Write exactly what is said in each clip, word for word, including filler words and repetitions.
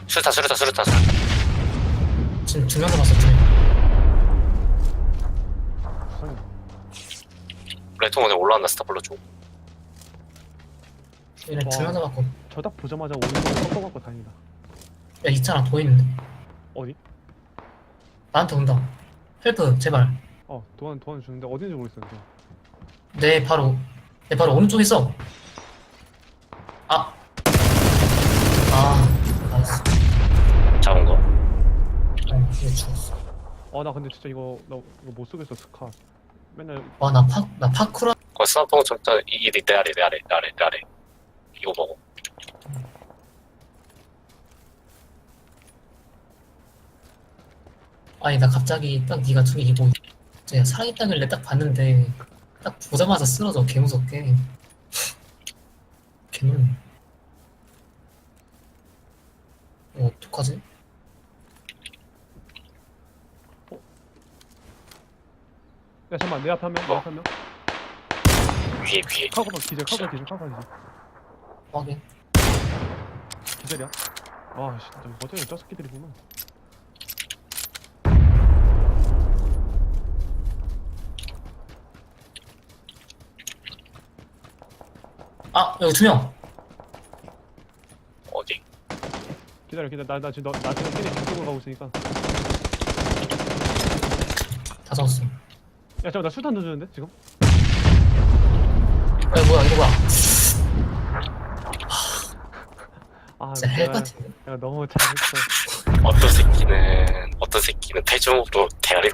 수류탄 수류탄 수류탄 수류탄. 지금 두 명 남았어, 두 명. 부상이. 레통 오늘 올라왔나 스타블로 쪽. 얘네 두 명 남았고. 저 딱 보자마자 오른쪽으로 꺾어갖고 다행이다. 야, 있잖아, 보이는데. 어디? 나한테 온다. 헬프, 제발. 어 도안 도안 주는데 어딘지 모르겠어. 지금. 내 바로, 내 바로 오른쪽에 있어. 아. 아, 나이스. 잡은 거. 어, 이게 죽었어. 어나 근데 진짜 이거 나 이거 못 쓰겠어 스카. 맨날 와, 나 파, 나 파쿠라. 그 스나퍼 정자 이게 내 아래 내 아래 내 아래 내 아래. 이거 먹어. 아니, 나 갑자기 딱 네가 저기 이거, 제가 살아있다길래 딱 봤는데, 딱 보자마자 쓰러져, 개무섭게. 개놀래. 어, 어떡하지? 야 잠깐만 내 앞에 한 명, 내 앞에 한 명. 위에 위에. 카고만 기절, 카고 기절, 카고 기절. 확인. 기절이야? 아 씨, 나 어제 저 새끼들이구나. 아, 여기 두 명! 어디? 기다려 기다려 나, 나 지금 너, 나 지금 걔네 뒤쪽으로 가고 있으니까. 다 잡았어. 야 잠깐만 나 수탄 던졌는데 지금? 야, 뭐야, 이거 뭐야. 아 진짜 헬 같은데? 내가 너무 잘했어. 어떤 새끼는 어떤 새끼는 대중으로 대가리.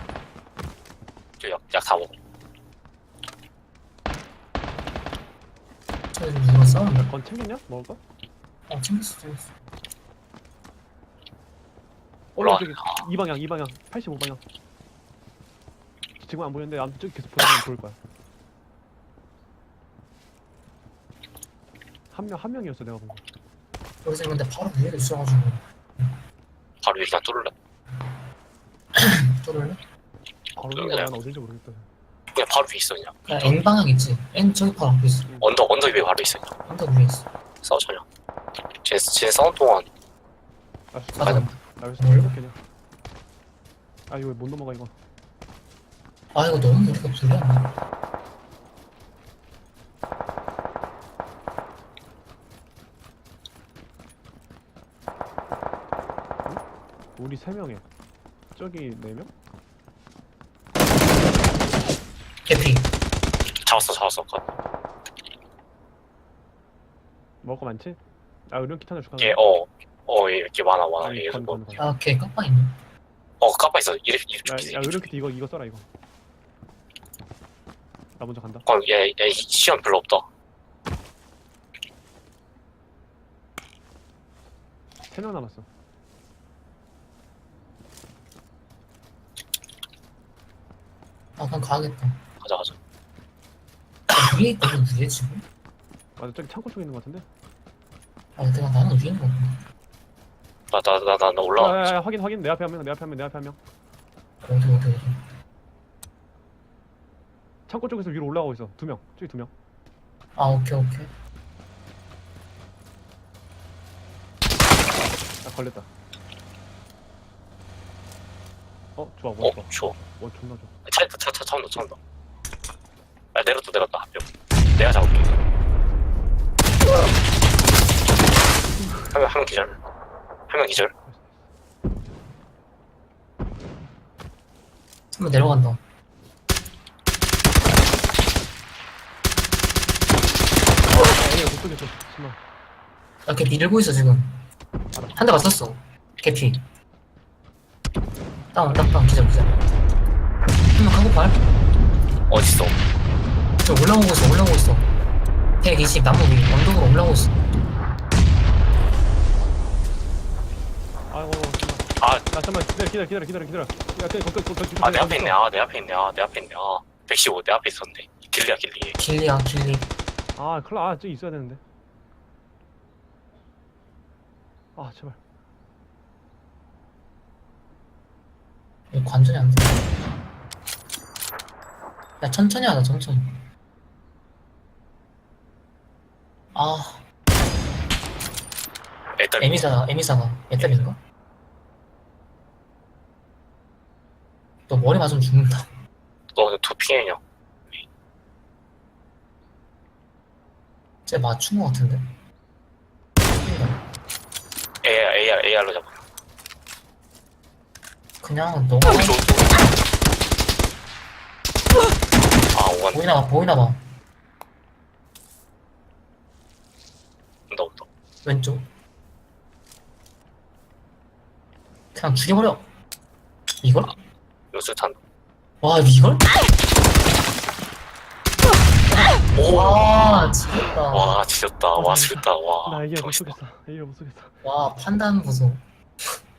약다 먹어. 저기 누가 싸우는데? 건 챙겼냐? 먹을 거? 어, 챙겼어, 챙겼어. 올라 올라와. 저기 이 방향 이 방향 팔십오 방향. 지금 안 보이는데 아무튼 저기 계속 보이면 보일 거야. 한 명 한 명이었어 내가 본 거. 여기서 근데 바로 위에도 있어가지고. 바로 위에 그냥 뚫을래. 뚫을래? 바로 그래. 위가 난 어딘지 모르겠다. 그냥 바로 위에 있어 그냥. 야, N 방향 있지? N 저기 바로 앞에 있어. 언덕 언덕 위에 바로 있어 그냥. 언덕 위에 있어. 싸우자 그냥. 쟤, 쟤 싸운 동안 아, 맞아. 나 여기서 뭘로? 이렇게 그냥. 아 이거 못 넘어가 이거. 아, 이거 너무 우리가 불리하네. 우리 세 명에 저기 네 명? 개피. 잡았어 잡았어. 그, 먹을 거 많지? 아 의료 키트 하나 줄까? 얘 어. 어, 얘 이렇게 많아 많아. 아니, 얘 건, 뭐. 건, 건. 아, 걔 깜빡 있네. 어 까빠 있어. 이래 이래 야, 죽기. 야 의료 키트 이거 이거 써라 이거. 나 먼저 간다. 어, 얘, 얘 시간 별로 없다. 세 명 남았어. 아, 그냥 가야겠다. 가자 가자. 아, 위에 있다, 이거 위에 지금? 맞아 저기 창고 쪽에 있는 거 같은데? 아, 내가 나는 위에 있는 거 같은데. 나 나 나 나 나 올라가. 야야야 확인 확인 내 앞에 한 명, 내 앞에 한 명, 내 앞에 한 명. 어디, 어디, 어디. 창고 쪽에서 위로 올라가고 있어. 두 명. 저기 두 명. 아, 오케이, 오케이. 나 걸렸다. 어 좋아 어, 뭐 좋아. 좋아. 어 존나 좋아. 차 있다 차차 차 온다 차 온다. 아 내렸다 내렸다 한 명. 내가 잡을게. 한명 한 명 기절. 한 명 기절. 한번 내려간다. 아니야 못 쏘겠어. 심한. 야, 걔 밀고 있어, 지금. 한 대 맞췄어. 개피. 다운, 다운, 다운, 기절, 기절. 한 명 하고 발. 어딨어? 저 올라오고 있어, 올라오고 있어. 백이십 나무 위, 언덕으로 올라오고 있어. 아이고 정말. 아, 야 잠깐만 기다려 기다려 기다려 기다려 기다려. 야 그냥 거기 거기 거기. 아, 내 앞에 있네. 아, 내 앞에 있네. 아, 내 앞에 있네. 아, 백십오 내 앞에 있었네. 길리야, 길리. 길리야, 길리. 아 클라 아 저기 있어야 되는데. 아 제발. 이거 관전이 안 돼. 야, 천천히 하자, 천천히. 아, 애딸 에미사, 에미사가 애딸인가? 너 머리 맞으면 죽는다. 너 근데 도핑해냐? 쟤 맞춘 거 같은데? 에이알 에이알 에이알로 잡아. 그냥 너가 오, 저, 저. 아 오간 보이나 봐, 보이나 봐. 온다 온다. 왼쪽. 그냥 죽여버려. 이걸? 요술탄. 와, 이걸? 오. 와, 지렸다. 와 지렸다. 와 지렸다. 와. 나 이게 못 정신아. 쏘겠어. 이게 못 쏘겠어. 와, 판단 보소.